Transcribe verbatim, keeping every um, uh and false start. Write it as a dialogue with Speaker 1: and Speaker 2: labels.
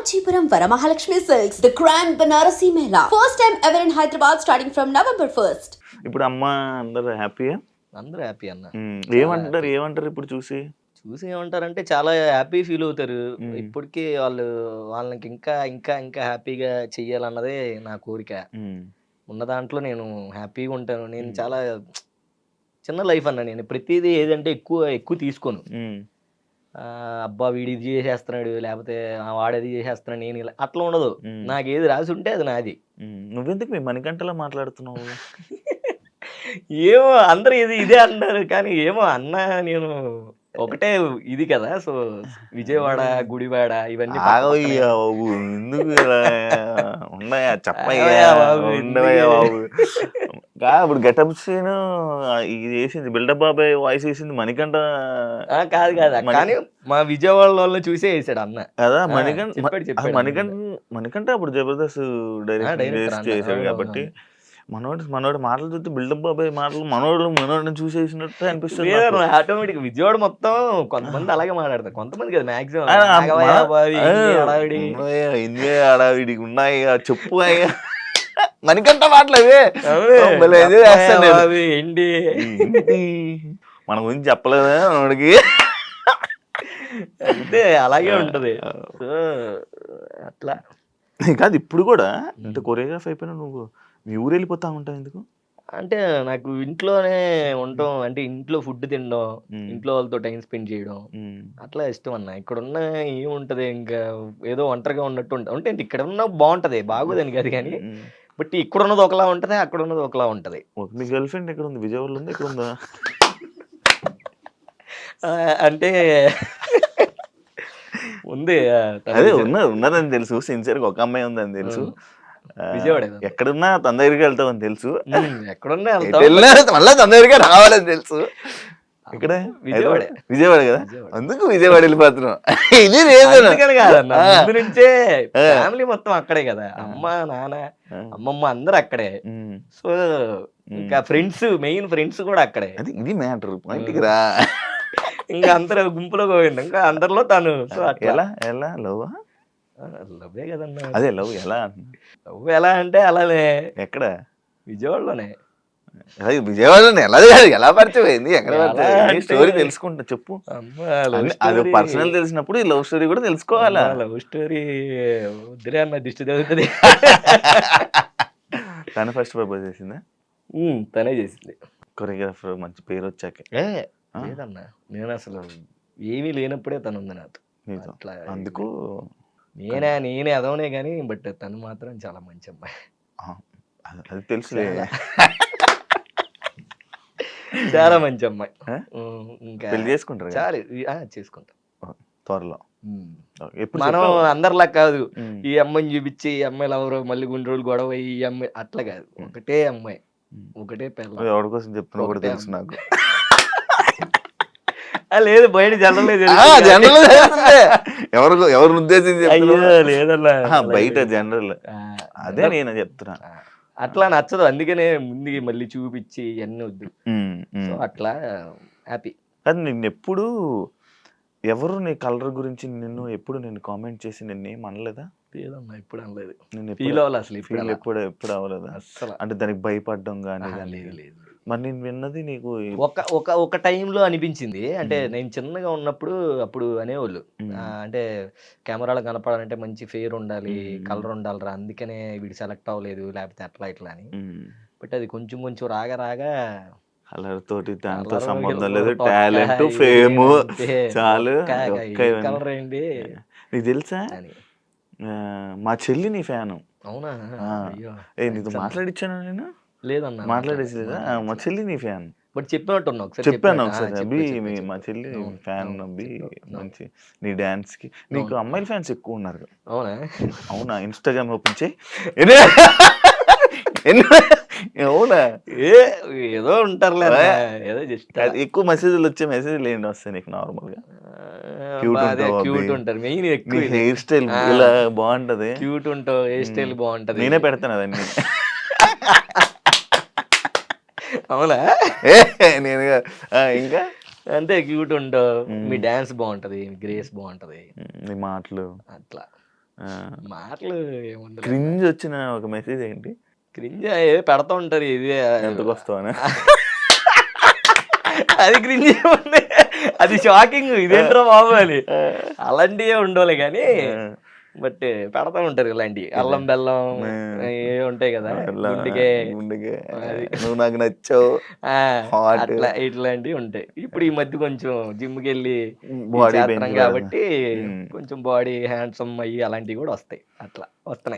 Speaker 1: Kanchipuram Varamahalakshmi Silks, the Grand Banarasi Mela. First time ever in Hyderabad starting from November first.
Speaker 2: ఇప్పుడు అమ్మ అందరూ హ్యాపీయా?
Speaker 3: అందరూ happy అన్న.
Speaker 2: ఏమంటారు ఏమంటారు ఇప్పుడు చూసి
Speaker 3: చూసి ఏమంటారంటే చాలా హ్యాపీ ఫీల్ అవుతారు. ఇప్పటికీ వాళ్ళు వాళ్ళకి ఇంకా ఇంకా ఇంకా హ్యాపీగా చెయ్యాలన్నదే నా కోరిక. ఉన్న దాంట్లో నేను హ్యాపీగా ఉంటాను. నేను చాలా చిన్న లైఫ్ అన్న. నేను ప్రతిదీ ఏదంటే ఎక్కువ ఎక్కువ తీసుకోను. అబ్బా వీడు ఇది చేసేస్తున్నాడు, లేకపోతే వాడేది చేసేస్తున్నాడు, నేను ఇలా అట్లా ఉండదు. నాకు ఏది రాసి ఉంటే అది నాది.
Speaker 2: నువ్వెందుకు మీ మణికంఠలా మాట్లాడుతున్నావు?
Speaker 3: ఏమో అందరు ఇది ఇదే అంటారు, కానీ ఏమో అన్న నేను ఒకటే ఇది కదా. సో విజయవాడ, గుడివాడ ఇవన్నీ
Speaker 2: ఎందుకు ఉన్నాయా చెప్పయ్యా ఉండవయ్యా బాబు. ఇప్పుడు గెటప్ సీన్ ఇది వేసింది బిల్డప్ బాబాయ్ వాయిస్ వేసింది మణికంఠ
Speaker 3: కాదు కాదు, కానీ మా విజయవాడ వాళ్ళు చూసే వేసాడు అన్న
Speaker 2: కదా. మణికంఠ మణికంఠ మణికంఠ అప్పుడు జబర్దస్త్ డైరెక్ట్ చేశాడు కాబట్టి మనోడు మనోడు మాటలు చూస్తే బిల్డప్ బాబాయ్ మాటలు మనోడు మనోడిని చూసేసినట్టు అనిపిస్తుంది.
Speaker 3: ఆటోమేటిక్ విజయవాడ మొత్తం కొంతమంది అలాగే మాట్లాడతారు, కొంతమంది కదా మాక్సిమం
Speaker 2: అడావిడికి ఉన్నాయి చెప్పు అయ్యా మణికంఠ మాటలు
Speaker 3: ఏంటి
Speaker 2: మన గురించి చెప్పలేదా మనోడికి?
Speaker 3: అంటే అలాగే ఉంటది. అట్లా
Speaker 2: కాదు ఇప్పుడు కూడా ఇంత కొరియోగ్రాఫ్ అయిపోయినా నువ్వు మీ ఊరు వెళ్ళిపోతా ఉంటావు ఎందుకు?
Speaker 3: అంటే నాకు ఇంట్లోనే ఉండటం, అంటే ఇంట్లో ఫుడ్ తినడం, ఇంట్లో వాళ్ళతో టైం స్పెండ్ చేయడం అట్లా ఇష్టం అన్న. ఇక్కడ ఉన్న ఏముంటది, ఇంకా ఏదో ఒంటరిగా ఉన్నట్టు ఉంటా. అంటే ఇక్కడ ఉన్న బాగుంటది, బాగోదని కాదు కానీ, బట్ ఇక్కడ ఉన్నది ఒకలా ఉంటది, అక్కడ ఉన్నది ఒకలా ఉంటది.
Speaker 2: మీ గర్ల్ ఫ్రెండ్ ఎక్కడ ఉంది? విజయవాడలో ఉంది, ఎక్కడ ఉందా?
Speaker 3: అంటే ఉంది,
Speaker 2: అదే ఉన్నది ఉన్నదని తెలుసు. సిన్సియర్గా ఒక అమ్మాయి ఉందని తెలుసు.
Speaker 3: విజయవాడ
Speaker 2: ఎక్కడున్నా తన దగ్గరికి వెళ్తామని తెలుసు,
Speaker 3: ఎక్కడున్నా
Speaker 2: మళ్ళీ తన దగ్గరికి రావాలని తెలుసు. ఇక్కడ
Speaker 3: విజయవాడ
Speaker 2: విజయవాడ కదా, అందుకు విజయవాడ వెళ్ళిపోతున్నాం. ఇది
Speaker 3: కాదన్న, ముందు నుంచే ఫ్యామిలీ మొత్తం అక్కడే కదా, అమ్మ నాన్న అమ్మమ్మ అందరు అక్కడే. సో ఇంకా ఫ్రెండ్స్, మెయిన్ ఫ్రెండ్స్ కూడా అక్కడే.
Speaker 2: అది ఇది మ్యాటర్. పాయింట్కి రా.
Speaker 3: ఇంకా అందరు గుంపులో పోయింది, ఇంకా అందరిలో తను. సో
Speaker 2: ఎలా ఎలా లవ్
Speaker 3: లవ్వే కదన్నా.
Speaker 2: అదే లవ్ ఎలా
Speaker 3: లవ్ ఎలా అంటే అలానే.
Speaker 2: ఎక్కడ?
Speaker 3: విజయవాడలోనే.
Speaker 2: విజయవాడలోనే ఎలా ఎలా పరిచయం అయింది? ఎక్కడ స్టోరీ తెలుసుకుంటా చెప్పు. అది పర్సనల్ తెలిసినప్పుడు ఈ లవ్ స్టోరీ కూడా తెలుసుకోవాలా?
Speaker 3: లవ్ స్టోరీ వద్దురే అన్న, దిష్టి తగ్గుతుంది.
Speaker 2: తను ఫస్ట్ ప్రపోజ్ చేసిందా?
Speaker 3: తనే చేసింది.
Speaker 2: కొరియోగ్రాఫర్ మంచి పేరు వచ్చాక
Speaker 3: లేదన్నా, నేను అసలు ఏమీ లేనప్పుడే తను ఉంది నాతో. అట్లా
Speaker 2: అందుకు
Speaker 3: నేనే నేనే అదవనే కానీ, బట్ తను మాత్రం చాలా మంచి అమ్మాయి.
Speaker 2: అది తెలుసులే,
Speaker 3: చాలా మంచి అమ్మాయి. ఇంకా
Speaker 2: పెళ్లి చేసుకుంటారు?
Speaker 3: చాలా చేసుకుంటాం
Speaker 2: త్వరలో.
Speaker 3: మనం అందరిలా కాదు, ఈ అమ్మాయిని చూపించి ఈ అమ్మాయిలు ఎవరో మళ్ళీ కొన్ని రోజులు గొడవ ఈ అమ్మాయి అట్లా కాదు. ఒకటే అమ్మాయి, ఒకటే పిల్ల.
Speaker 2: ఎవరి కోసం చెప్తున్నా కూడా తెలుసు నాకు.
Speaker 3: లేదు బయట జనరల్
Speaker 2: ఎవరు ఎవరిని ఉద్దేశించి
Speaker 3: లేదన్నా,
Speaker 2: బయట జనరల్. అదే నేను చెప్తున్నా.
Speaker 3: అట్లా నచ్చదు, అందుకనే ముందు మళ్ళీ చూపించి అన్ని వద్దు. సో అట్లా హ్యాపీ.
Speaker 2: కానీ నిన్ను ఎప్పుడు ఎవరు నీ కలర్ గురించి నిన్ను ఎప్పుడు నేను కామెంట్ చేసి నిన్ను ఏం అనలేదా?
Speaker 3: లేదమ్మా, ఎప్పుడు అనలేదు.
Speaker 2: నేను
Speaker 3: ఫీల్ అవ్వాలి అసలు,
Speaker 2: ఫీల్ ఎప్పుడు ఎప్పుడు అవ్వలేదా అసలు? అంటే దానికి భయపడడం కానీ?
Speaker 3: లేదు లేదు.
Speaker 2: మరి నేను విన్నది నీకు
Speaker 3: ఒక ఒక ఒక టైంలో అనిపించింది. అంటే నేను చిన్నగా ఉన్నప్పుడు అప్పుడు అనేవాళ్ళు, అంటే కెమెరాలో కనపడాలంటే మంచి ఫేర్ ఉండాలి, కలర్ ఉండాలిరా, అందుకనే వీడు సెలెక్ట్ అవ్వలేదు, లేకపోతే అట్లా ఇట్లా అని. బట్ అది కొంచెం కొంచెం రాగా రాగా
Speaker 2: కలర్ తోటి దాంతో సంబంధం లేదు, టాలెంట్ ఫేమ్ చాలు.
Speaker 3: కలర్ ఏంటి
Speaker 2: నీకు తెలుసా, మా చెల్లి నీ ఫ్యాను.
Speaker 3: అవునా?
Speaker 2: ఏ నీతో మాట్లాడిచ్చాను నేను?
Speaker 3: లేదన్నా,
Speaker 2: మాట్లాడేసి లేదా? మా చెల్లి నీ ఫ్యాన్.
Speaker 3: బట్ చెప్పినట్టున్నా ఒకసారి,
Speaker 2: చెప్పాను ఒకసారి. అబ్బి మా చెల్లి ఫ్యాన్, అబ్బి మంచి నీ డాన్స్ కి. నీకు అమ్మాయిల ఫ్యాన్స్ ఎక్కువ ఉన్నారు.
Speaker 3: అవునా?
Speaker 2: అవునా? ఇన్స్టాగ్రామ్ ఓపెన్ చేయి. అవునా?
Speaker 3: ఏ ఏదో ఉంటారులే, ఏదో జస్ట్
Speaker 2: ఎక్కువ మెసేజ్లు వచ్చే మెసేజ్లు ఏంటి వస్తాయి నీకు నార్మల్ గా?
Speaker 3: క్యూట్ ఉంటారు, మెయిన్ ఎక్కువ
Speaker 2: హెయిర్ స్టైల్ ఇలా బాగుంటది,
Speaker 3: క్యూట్ ఉంటావు, హెయిర్ స్టైల్ బాగుంటది.
Speaker 2: నేనే పెడతాను అవన్నీ.
Speaker 3: అవునా?
Speaker 2: నేను ఇంకా
Speaker 3: అంతే, క్యూట్ ఉంటావు, మీ డాన్స్ బాగుంటది, మీ గ్రేస్ బాగుంటది,
Speaker 2: నీ మాటలు
Speaker 3: అట్లా. మాటలు ఏముంది
Speaker 2: క్రింజ్ వచ్చిన ఒక మెసేజ్ ఏంటి?
Speaker 3: క్రింజ్ పెడతా ఉంటారు ఇది
Speaker 2: ఎంతకు వస్తావని.
Speaker 3: అది క్రింజ్ ఉంది, అది షాకింగ్, ఇదేంట్రా బాబు అని. అలాంటివే ఉండవులే కానీ బట్ పెడతా ఉంటారు ఇలాంటివి, అల్లం బెల్లం ఏ ఉంటాయి కదా, గుండెకే
Speaker 2: నువ్వు నాకు నచ్చావు
Speaker 3: అట్లా ఇట్లాంటివి ఉంటాయి. ఇప్పుడు ఈ మధ్య కొంచెం జిమ్కి వెళ్ళి చేస్తున్నాం కాబట్టి కొంచెం బాడీ హ్యాండ్సమ్ అయ్యి అలాంటివి కూడా వస్తాయి, అట్లా వస్తున్నాయి.